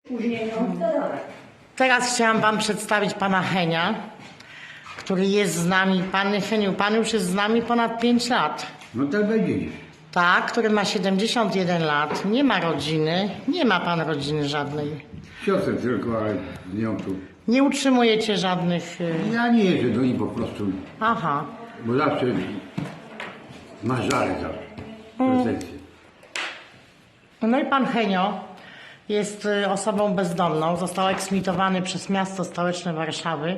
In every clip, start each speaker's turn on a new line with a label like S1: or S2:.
S1: Później ją wdorowek.
S2: Teraz chciałam wam przedstawić pana Henia, który jest z nami. Panie Heniu, pan już jest z nami ponad 5 lat.
S3: No tak będzie.
S2: Tak, który ma 71 lat, nie ma rodziny, nie ma pan rodziny żadnej.
S3: Siostrę tylko, ale z nią tu.
S2: Nie utrzymujecie żadnych...
S3: Ja nie jeżdżę do niej po prostu,
S2: Aha.
S3: bo zawsze ma żale zawsze. Pretensje.
S2: No i pan Henio jest osobą bezdomną, został eksmitowany przez miasto stołeczne Warszawy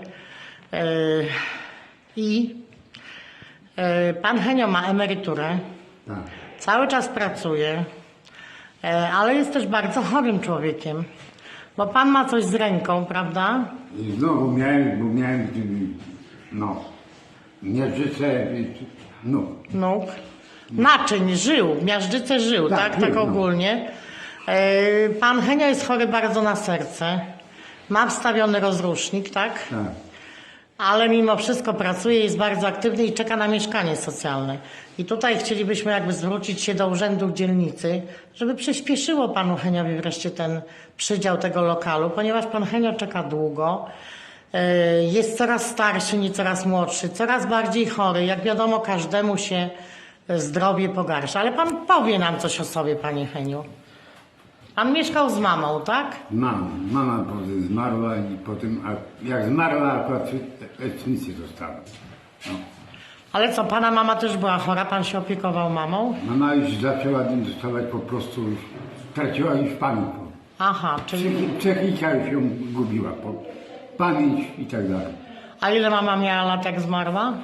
S2: i pan Henio ma emeryturę,
S3: Tak.
S2: cały czas pracuje, ale jest też bardzo chorym człowiekiem, bo pan ma coś z ręką, prawda?
S3: I znowu miałem, no, miażdżycę, no.
S2: Nóg, naczyń, żył, miażdżycę żył, tak,
S3: Tak,
S2: tak
S3: żył, no.
S2: ogólnie. Pan Henio jest chory bardzo na serce, ma wstawiony rozrusznik, tak?
S3: Tak.
S2: Ale mimo wszystko pracuje, jest bardzo aktywny i czeka na mieszkanie socjalne. I tutaj chcielibyśmy jakby zwrócić się do urzędu dzielnicy, żeby przyspieszyło panu Heniowi wreszcie ten przydział tego lokalu, ponieważ pan Henio czeka długo, jest coraz starszy, nie coraz młodszy, coraz bardziej chory. Jak wiadomo, każdemu się zdrowie pogarsza. Ale pan powie nam coś o sobie, panie Heniu. Pan mieszkał z mamą, tak?
S3: Mama potem zmarła i potem, jak zmarła, akurat eksmisję dostała. No.
S2: Ale co, pana mama też była chora, pan się opiekował mamą?
S3: Mama już zaczęła dostawać po prostu, już traciła już pamięć.
S2: Aha, czyli...
S3: Psychika już ją gubiła, pamięć i tak dalej.
S2: A ile mama miała lat, jak zmarła?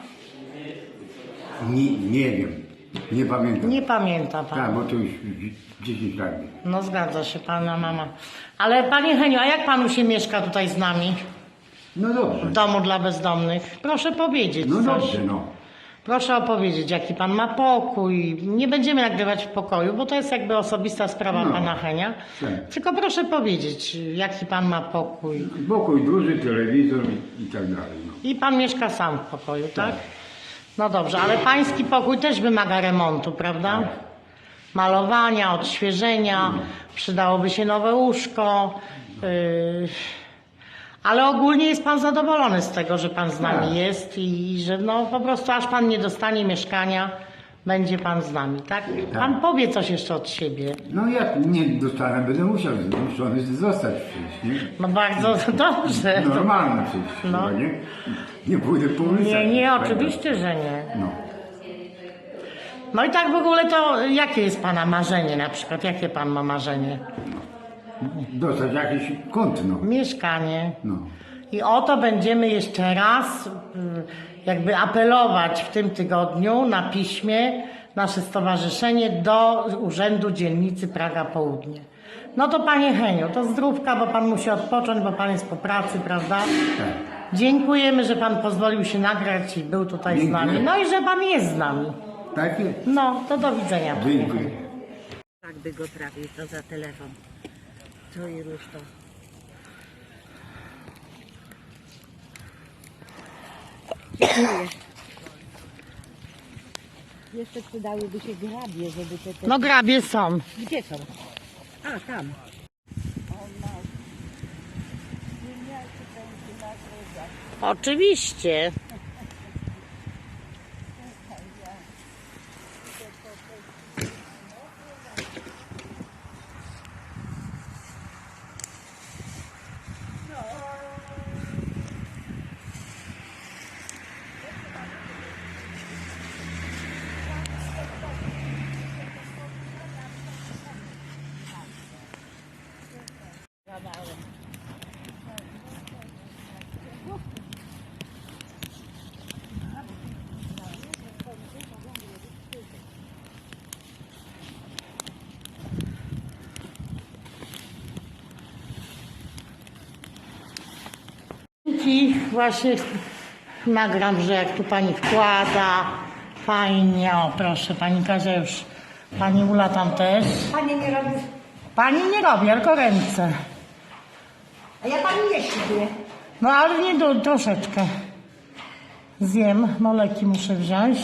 S3: Nie wiem, nie pamiętam.
S2: Nie pamięta pan.
S3: Tak, bo to już 10 lat.
S2: No zgadza się, pana mama. Ale panie Heniu, a jak panu się mieszka tutaj z nami?
S3: No
S2: W
S3: dobrze.
S2: domu dla bezdomnych? Proszę powiedzieć
S3: No
S2: coś.
S3: dobrze, no.
S2: Proszę opowiedzieć, jaki pan ma pokój. Nie będziemy nagrywać w pokoju, bo to jest jakby osobista sprawa
S3: No,
S2: pana Henia.
S3: tak.
S2: Tylko proszę powiedzieć, jaki pan ma pokój.
S3: Pokój duży, telewizor i tak dalej. No.
S2: I pan mieszka sam w pokoju, tak? No dobrze, ale pański pokój też wymaga remontu, prawda?
S3: Tak.
S2: Malowania, odświeżenia, przydałoby się nowe łóżko. Ale ogólnie jest pan zadowolony z tego, że pan z nami
S3: Tak.
S2: jest i że no po prostu aż pan nie dostanie mieszkania, będzie pan z nami, tak? Pan powie coś jeszcze od siebie.
S3: No jak nie dostanę, będę musiał zmuszony zostać przecież, nie?
S2: No bardzo dobrze.
S3: Normalne przecież,
S2: No.
S3: chyba, nie? Nie pójdę po ulicach.
S2: Nie, oczywiście, że nie.
S3: No.
S2: No i tak w ogóle to jakie jest pana marzenie na przykład? Jakie pan ma marzenie?
S3: Dostać jakiś kąt, no.
S2: Mieszkanie.
S3: No.
S2: I o to będziemy jeszcze raz jakby apelować w tym tygodniu na piśmie nasze stowarzyszenie do Urzędu Dzielnicy Praga Południe. No to panie Heniu, to zdrówka, bo pan musi odpocząć, bo pan jest po pracy, prawda?
S3: Tak.
S2: Dziękujemy, że pan pozwolił się nagrać i był tutaj z
S3: Dziękuję.
S2: nami. No i że pan jest z nami.
S3: Tak jest.
S2: No, to do widzenia. panie
S3: Dziękuję.
S2: Heniu.
S1: Tak by go trafił, to za telefon. Co i rusz to. Dziękuję. Jeszcze przydałyby się grabie, żeby te...
S2: No grabie są.
S1: Gdzie są? A, tam.
S2: Oczywiście. I właśnie nagram, że jak tu pani wkłada, fajnie, o proszę, pani Kazia już, pani Ula tam też.
S4: Pani nie robi.
S2: Pani nie robi, tylko ręce.
S4: A ja pani jeść lubię.
S2: No ale nie troszeczkę. Zjem, moleki muszę wziąć.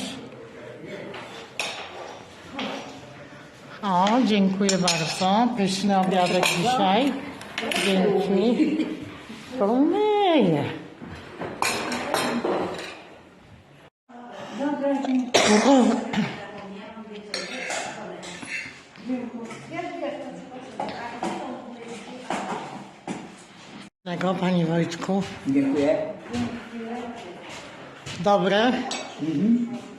S2: O, dziękuję bardzo. Pyszny obiadek dzisiaj. Dzięki. Pomyję. Tego, Panie Wojtku.
S5: Dziękuję.
S2: Dobre.